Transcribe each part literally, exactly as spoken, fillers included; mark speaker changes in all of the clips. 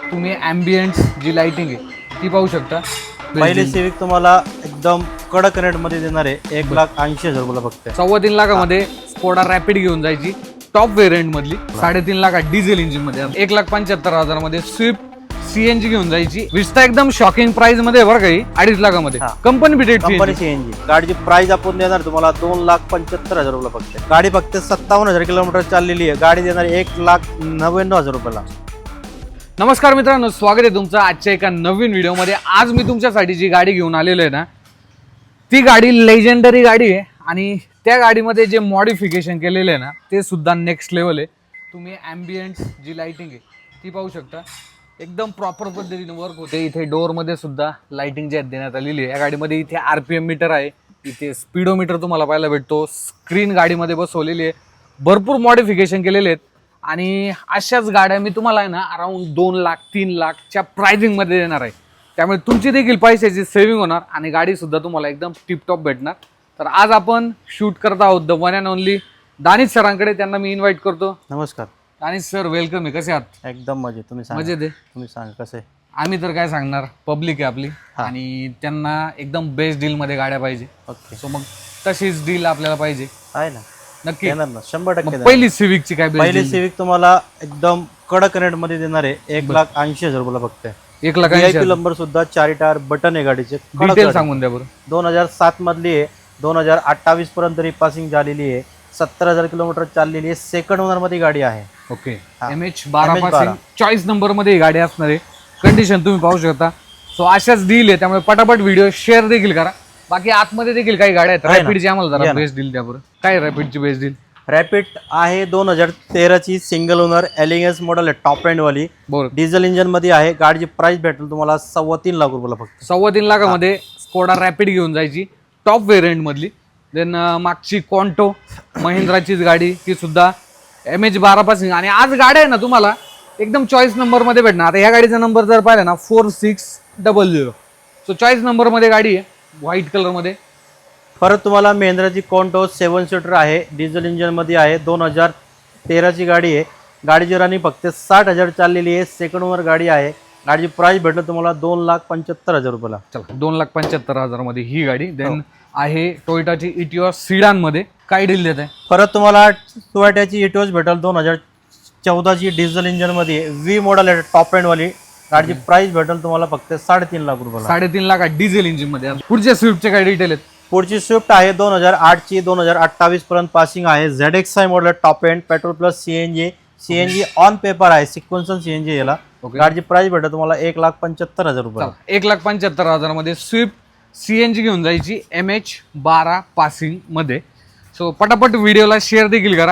Speaker 1: तुम्ही ॲम्बियंट जी लाइटिंग आहे ती पाहू शकता।
Speaker 2: पहिले सिविक तुम्हाला एकदम कडक रेट मध्ये देणार आहे, एक लाख ऐंशी हजार रुपयाला फक्त।
Speaker 1: सव्वा तीन लाखामध्ये स्कोडा रॅपिड घेऊन जायची टॉप व्हेरियंट मधली, साडेतीन लाखात डिझेल इंजिन मध्ये, एक लाख पंच्याहत्तर हजार मध्ये स्विफ्ट सीएनजी घेऊन जायची। विस्टा एकदम शॉकिंग प्राइस मध्ये बरं काही, अडीच लाखामध्ये कंपनी बिटेड
Speaker 2: कंपनी सीएनजी गाडीची प्राइस आपण देणार तुम्हाला दोन लाख पंच्याहत्तर हजार रुपये फक्त। गाडी फक्त सत्तावन्न हजार किलोमीटर चाललेली आहे, गाडी देणार एक लाख नव्याण्णव हजार रुपयाला।
Speaker 1: नमस्कार मित्रांनो, स्वागत आहे तुमचं आजच्या एका नवीन व्हिडिओमध्ये। आज मी तुमच्यासाठी जी गाडी घेऊन आलेलो आहे ना, ती गाडी लेजेंडरी गाडी आहे आणि त्या गाडीमध्ये जे मॉडिफिकेशन केलेलं आहे ना ते सुद्धा नेक्स्ट लेवल आहे। तुम्ही ॲम्बियंट जी लाइटिंग आहे ती पाहू शकता, एकदम प्रॉपर पद्धतीने वर्क होते। इथे डोअरमध्ये सुद्धा लाइटिंग जी देण्यात आलेली आहे। या गाडीमध्ये इथे आर पी एम मीटर आहे, इथे स्पीडोमीटर तुम्हाला पाहायला भेटतो, स्क्रीन गाडीमध्ये बसवलेली आहे, भरपूर मॉडिफिकेशन केलेले आहेत। आणि अशाच गाड्या मी तुम्हाला आहे ना अराउंड दोन लाख तीन लाखच्या प्राइसिंगमध्ये देणार आहे, त्यामुळे तुमची देखील पैशाची सेव्हिंग होणार आणि गाडी सुद्धा तुम्हाला एकदम टिपटॉप भेटणार। तर आज आपण शूट करत आहोत the one and only Danish सरांकडे, त्यांना मी इन्व्हाइट करतो।
Speaker 2: नमस्कार
Speaker 1: दानिश सर, वेलकम आहे, कसे आहात?
Speaker 2: एकदम मजेत, तुम्ही सांगा।
Speaker 1: मजेत आहे,
Speaker 2: तुम्ही सांगा कसे?
Speaker 1: आम्ही तर काय सांगणार, पब्लिक आहे आपली आणि त्यांना एकदम बेस्ट डील मध्ये गाड्या पाहिजे।
Speaker 2: ओके,
Speaker 1: सो मग तशीच डील आपल्याला पाहिजे,
Speaker 2: आहे ना?
Speaker 1: नक्की
Speaker 2: देणार ना, शंभर टक्के देणार।
Speaker 1: पहिली सिविकची काय
Speaker 2: पहिली सिविक तुम्हाला एकदम कडक रेट मध्ये देणार आहे, एक लाख ऐंशी हजार रुपयाला फक्त।
Speaker 1: एक लाख
Speaker 2: व्हीआयपी नंबर सुद्धा चार टायर बटन आहे गाडीचे।
Speaker 1: डिटेल सांगून द्या बरं।
Speaker 2: दोन हजार सात मधली आहे, दोन हजार अठ्ठावीस पर्यंत रिपासिंग झालेली आहे, सत्तर हजार किलोमीटर चाललेली आहे, सेकंड ओनर मध्ये गाडी आहे।
Speaker 1: ओके, एम एच बारा पासिंग चॉईस नंबर मध्ये ही गाडी असणार आहे। कंडिशन तुम्ही पाहू शकता। सो अशाच डील आहे, त्यामुळे पटापट व्हिडिओ शेअर देखील करा। बाकी आतमध्ये देखील काही गाड्या आहेत रॅपिडची, आम्हाला जरा बेस्ट डील द्या बरं। काय रॅपिडची बेस्ट डील?
Speaker 2: रॅपिड आहे दोन हजार तेराची सिंगल ओनर एलिगन्स मॉडेल आहे, टॉप एंड वाली,
Speaker 1: बरोबर,
Speaker 2: डिझेल इंजिन मध्ये आहे। गाडीची प्राइस भेटेल तुम्हाला सव्वा तीन लाख रुपयाला फक्त।
Speaker 1: सव्वा तीन लाखामध्ये स्कोडा रॅपिड घेऊन जायची टॉप व्हेरियंट मधली। देन मागची कॉन्टो महिंद्राचीच गाडी, ती सुद्धा एम एच बारा पासिंग। आणि आज गाड्या आहे ना तुम्हाला एकदम चॉईस नंबर मध्ये भेटणार। आता ह्या गाडीचा नंबर जर पाहिला ना four six double zero, so choice number मध्ये गाडी आहे, व्हाईट कलर मध्ये।
Speaker 2: परत तुम्हाला महिंद्राची कॉन्टो सेवन सीटर आहे, डिझेल इंजिन मध्ये आहे, दोन हजार तेराची गाडी आहे। गाडीची रनिंग फक्त साठ हजार चाललेली आहे, सेकंड ओनर गाडी आहे। गाडीची प्राइस भेटलं तुम्हाला दोन लाख पंच्याहत्तर हजार रुपयाला।
Speaker 1: चला, दोन लाख पंच्याहत्तर हजार मध्ये ही गाडी। देन आहे टोयोटाची इटिओस सिडान मध्ये, काय डील देत आहे?
Speaker 2: परत तुम्हाला टोयोटाची इटिओस भेटेल दोन हजार चौदाची डिझेल इंजिन मध्ये, व्ही मॉडेल आहे, टॉप एंड वाली। गाडीची प्राइस भेटेल तुम्हाला फक्त साडेतीन लाख रुपयाला।
Speaker 1: साडेतीन लाखात डिझेल इंजिन मध्ये। पुढच्या स्विफ्टचे काय डिटेल आहेत?
Speaker 2: पुढची स्विफ्ट आहे दोन हजार आठची, दोन हजार अठ्ठावीस पर्यंत पासिंग आहे, Z X I model, top end, petrol plus CNG, CNG on paper आहे, सिक्वेन्सल सीएनजी याला। गाडीची प्राइस भेटेल तुम्हाला एक लाख पंच्याहत्तर हजार रुपये। एक
Speaker 1: लाख पंच्याहत्तर हजार मध्ये स्विफ्ट सीएनजी घेऊन जायची एम एच बारा पासिंग मध्ये। सो पटापट व्हिडिओला शेअर देखील करा।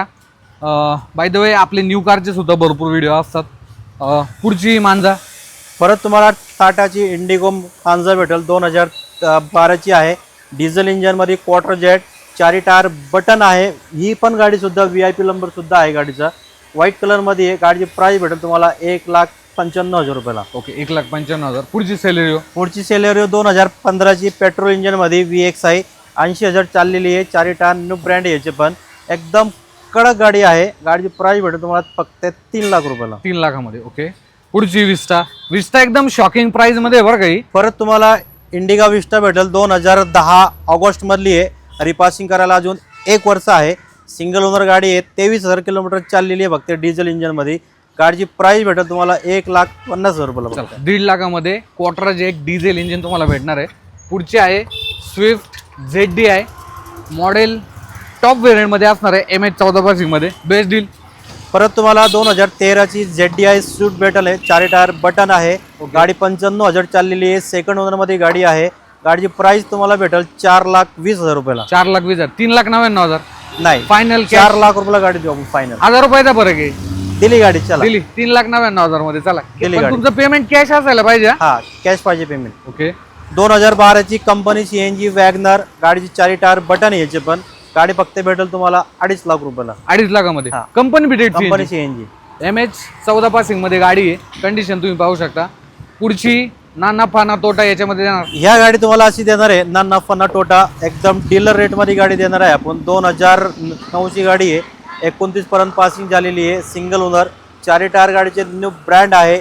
Speaker 1: बाय द वे आपले न्यू कारचे सुद्धा भरपूर व्हिडिओ असतात। पुढची मांजा,
Speaker 2: परत तुम्हाला टाटाची इंडिगो मांजा भेटेल, दोन हजार बाराची आहे, डिझेल इंजिन मध्ये, क्वार्टर जेट, चारी टायर बटन आहे। ही पण गाडी सुद्धा व्ही आय पी नंबर सुद्धा आहे गाडीचा, व्हाईट कलर मध्ये आहे। गाडीची प्राइस भेटेल तुम्हाला एक लाख पंच्याण्णव हजार रुपयाला।
Speaker 1: ओके, एक लाख पंच्याण्णव हजार। पुढची सेलेरिओ,
Speaker 2: पुढची सेलेरिओ दोन हजार पंधराची पेट्रोल इंजिन मध्ये, व्ही एक्स आहे, ऐंशी हजार चाललेली आहे, चारी टायर न्यू ब्रँड याचे पण, एकदम कडक गाडी आहे। गाडीची प्राइस भेटेल तुम्हाला फक्त तीन लाख रुपयाला।
Speaker 1: तीन लाखामध्ये। ओके, पुढची विस्टा, विस्टा एकदम शॉकिंग प्राइस मध्ये बरं काही।
Speaker 2: परत तुम्हाला इंडिगा विस्टा भेटेल, दोन हजार दहा ऑगस्ट मधली आहे, रिपासिंग करायला अजून एक वर्ष आहे, सिंगल ओनर गाडी आहे, तेवीस हजार किलोमीटर चाललेली आहे फक्त डिझेल इंजिन मध्ये। गाडीची प्राइस भेटेल तुम्हाला एक लाख पन्नास हजार रुपयाला।
Speaker 1: दीड लाखामध्ये क्वार्टर जेट डिझेल इंजिन तुम्हाला भेटणार आहे। पुढची आहे Swift Z D I model, top variant मध्ये असणार आहे, एम एच चौदा पासिंग मध्ये, बेस्ट डील।
Speaker 2: परत तुम्हाला दोन हजार तेराची झेड डी आय स्विफ्ट भेटेल आहे, चारी टायर बटन आहे, गाडी पंच्याण्णव हजार चाललेली आहे, सेकंड ओनर मध्ये गाडी आहे। गाडीची प्राइस तुम्हाला भेटेल चार लाख वीस हजार रुपयाला।
Speaker 1: चार लाख वीस हजार, तीन लाख नव्याण्णव हजार
Speaker 2: नाही,
Speaker 1: फायनल
Speaker 2: चार लाख रुपयाला गाडी देऊ आपण फायनल।
Speaker 1: हजार रुपयाचा फरक आहे,
Speaker 2: दिली गाडी, चला
Speaker 1: दिली तीन लाख नव्याण्णव हजार मध्ये। चला,
Speaker 2: दिली
Speaker 1: पण
Speaker 2: गाडी।
Speaker 1: तुमचं पेमेंट कॅश असायला पाहिजे।
Speaker 2: हा, कॅश पाहिजे पेमेंट।
Speaker 1: ओके,
Speaker 2: दोन हजार बाराची कंपनी सीएनजी वॅगनर, गाडीची चारी टायर बटन याचे पण, गाडी फक्त भेटेल तुम्हाला अडीच लाख रुपयाला।
Speaker 1: अडीच लाखामध्ये company बिटेड
Speaker 2: company CNG,
Speaker 1: M H चौदा पासिंग मध्ये गाडी आहे, कंडिशन तुम्ही पाहू शकता। पुढची ना नफा ना तोटा याच्यामध्ये देणार।
Speaker 2: ह्या गाडी तुम्हाला अशी देणार आहे, ना नफा ना तोटा, एकदम डीलर रेट मध्ये गाडी देणार आहे आपण। दोन हजार नऊची गाडी आहे, एकोणतीस पर्यंत पासिंग झालेली आहे, सिंगल ओनर, चारी टायर गाडीचे न्यू ब्रँड आहे,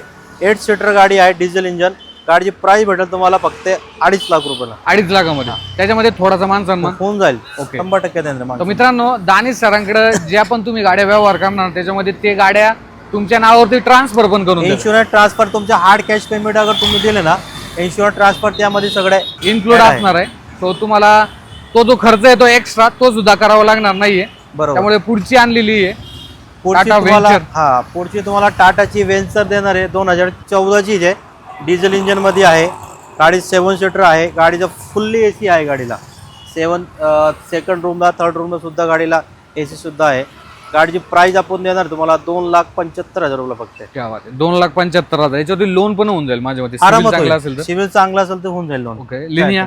Speaker 2: एट सीटर गाडी आहे, डिझेल इंजन. गाडीची प्राइस भेटेल तुम्हाला फक्त अडीच लाख रुपयाला.
Speaker 1: अडीच लाखामध्ये त्याच्यामध्ये थोडासा मान सन्मान
Speaker 2: होऊन जाईल.
Speaker 1: ओके.
Speaker 2: शंभर टक्के देणार.
Speaker 1: तर मित्रांनो, दानिश सरांकडे ज्या पण तुम्ही गाड्या व्यवहार करणार त्याच्यामध्ये ते गाड्या तुमच्या नावावरती ट्रान्सफर पण करून देतात.
Speaker 2: इन्शुरन्स ट्रान्सफर तुमच्या हार्ड कॅश पेमेंट अगर तुम्ही दिले ना, इन्शुरन्स ट्रान्सफर त्यामध्ये सगळे
Speaker 1: इन्क्लूड असणार आहे. तो तुम्हाला तो जो खर्च आहे तो एक्स्ट्रा तो सुद्धा करावा लागणार नाहीये.
Speaker 2: बरोबर.
Speaker 1: त्यामुळे पुढची आणलेली आहे
Speaker 2: पुढची
Speaker 1: टाटा
Speaker 2: तुम्हाला
Speaker 1: वेंचर.
Speaker 2: हा पुढची तुम्हाला टाटाची वेंचर देणार आहे. दोन हजार चौदाची आहे, डिझेल इंजन मध्ये आहे. गाडी सेवन सीटर आहे. गाडीचं फुल्ली ए सी आहे. गाडीला सेवन सेकंड रूमला थर्ड रूमला सुद्धा गाडीला ए सी सुद्धा आहे. गाडीची प्राइस आपण देणार तुम्हाला दोन लाख पंच्याहत्तर हजार रुपये फक्त.
Speaker 1: क्या बात आहे. दोन लाख पंच्याहत्तर हजार याच्यावरती लोन पण होऊन जाईल माझ्या मते.
Speaker 2: आरामात
Speaker 1: चांगला असेल तर.
Speaker 2: सिव्हिल चांगला असेल तर होऊन जाईल लोन.
Speaker 1: ओके. लिनिया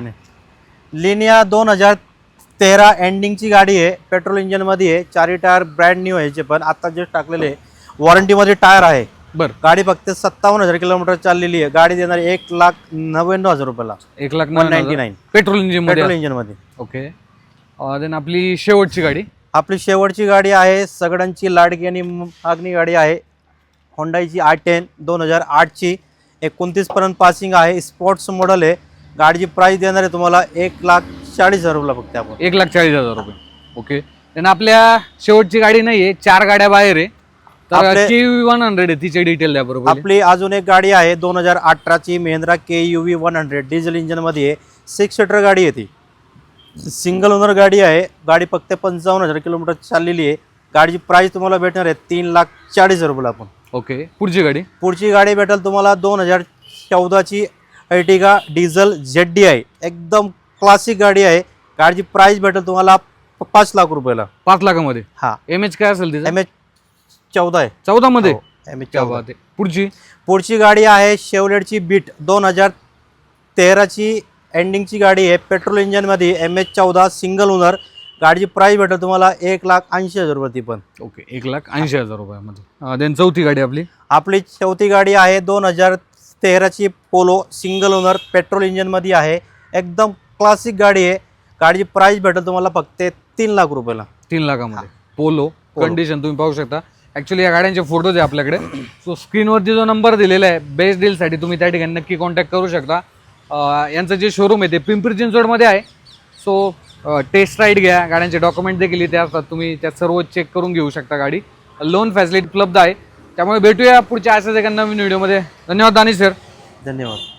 Speaker 2: लिनिया दोन हजार तेरा एंडिंगची गाडी आहे. पेट्रोल इंजन मध्ये आहे. चारी टायर ब्रँड न्यू आहे. याचे पण आता जे टाकलेले वॉरंटीमध्ये टायर आहे.
Speaker 1: बर.
Speaker 2: गाडी फक्त सत्तावन्न हजार किलोमीटर चाललेली आहे. गाडी देणार एक लाख नव्याण्णव हजार रुपयाला.
Speaker 1: एक lakh
Speaker 2: one ninety nine
Speaker 1: petrol engine
Speaker 2: petrol
Speaker 1: मध्ये.
Speaker 2: इंजन मध्ये.
Speaker 1: ओके. देन आपली शेवटची गाडी
Speaker 2: आपली शेवटची गाडी आहे सगळ्यांची लाडकी आणि मागणी गाडी आहे. होंडाईची आय टेन दोन हजार आठची एकोणतीस पर्यंत पासिंग आहे. स्पोर्ट्स मॉडेल आहे. गाडीची प्राइस देणार आहे तुम्हाला एक लाख चाळीस हजार रुपये फक्त आपण.
Speaker 1: एक लाख चाळीस हजार रुपये. ओके. देन आपल्या शेवटची गाडी नाहीये, चार गाड्या बाहेर आहे. तर
Speaker 2: आपले-
Speaker 1: के वन हंड्रेड आहे, तिचे डिटेल द्या बरोबर.
Speaker 2: आपली अजून एक गाडी आहे दोन हजार अठराची Mahindra K U V one hundred diesel engine मध्ये आहे. सिक्स सीटर गाडी आहे. ती सिंगल ओनर गाडी आहे. गाडी फक्त पंचावन्न हजार किलोमीटर चाललेली आहे. गाडीची प्राइस तुम्हाला भेटणार आहे तीन लाख चाळीस हजार रुपये आपण.
Speaker 1: ओके. पुढची गाडी
Speaker 2: पुढची गाडी भेटेल तुम्हाला दोन हजार चौदाची अर्टिगा डिझेल झेड डी आहे. एकदम क्लासिक गाडी आहे. गाडीची प्राइस भेटेल तुम्हाला प- पाच लाख रुपयाला.
Speaker 1: पाच लाखामध्ये.
Speaker 2: हा
Speaker 1: एम एच काय असेल तिचं?
Speaker 2: एम एच चौदा आहे.
Speaker 1: चौदा मध्ये.
Speaker 2: एम एच
Speaker 1: क्या
Speaker 2: चौदा.
Speaker 1: बात आहे. पुढची
Speaker 2: पुढची गाडी आहे शेवलेटची बीट दोन हजार तेराची एंडिंगची गाडी आहे. पेट्रोल इंजनमध्ये एम एच चौदा सिंगल ओनर. गाडीची प्राइस भेटेल तुम्हाला एक लाख ऐंशी हजार रुपये ती पण.
Speaker 1: ओके. एक लाख ऐंशी हजार रुपयामध्ये. देन चौथी गाडी आपली
Speaker 2: आपली चौथी गाडी आहे दोन हजार तेराची पोलो सिंगल ओनर पेट्रोल इंजनमध्ये आहे. एकदम क्लासिक गाडी आहे. गाडीची प्राइस भेटेल तुम्हाला फक्त तीन लाख रुपयाला.
Speaker 1: तीन लाखामध्ये. पोलो कंडिशन तुम्ही पाहू शकता. ऍक्च्युली या गाड्यांचे फोटोज आहे आपल्याकडे. सो स्क्रीनवरती जो नंबर दिलेला आहे बेस्ट डीलसाठी तुम्ही त्या ठिकाणी नक्की कॉन्टॅक्ट करू शकता. अं, यांचं जे शोरूम आहे ते पिंपरी चिंचवडमध्ये आहे. सो टेस्ट राईड घ्या. गाड्यांचे डॉक्युमेंट देखील इथे असतात. तुम्ही त्यात सर्व चेक करून घेऊ शकता. गाडी लोन फॅसिलिटी उपलब्ध आहे. त्यामुळे भेटूया पुढच्या अशाच एका नवीन व्हिडिओमध्ये. धन्यवाद दानिश सर.
Speaker 2: धन्यवाद.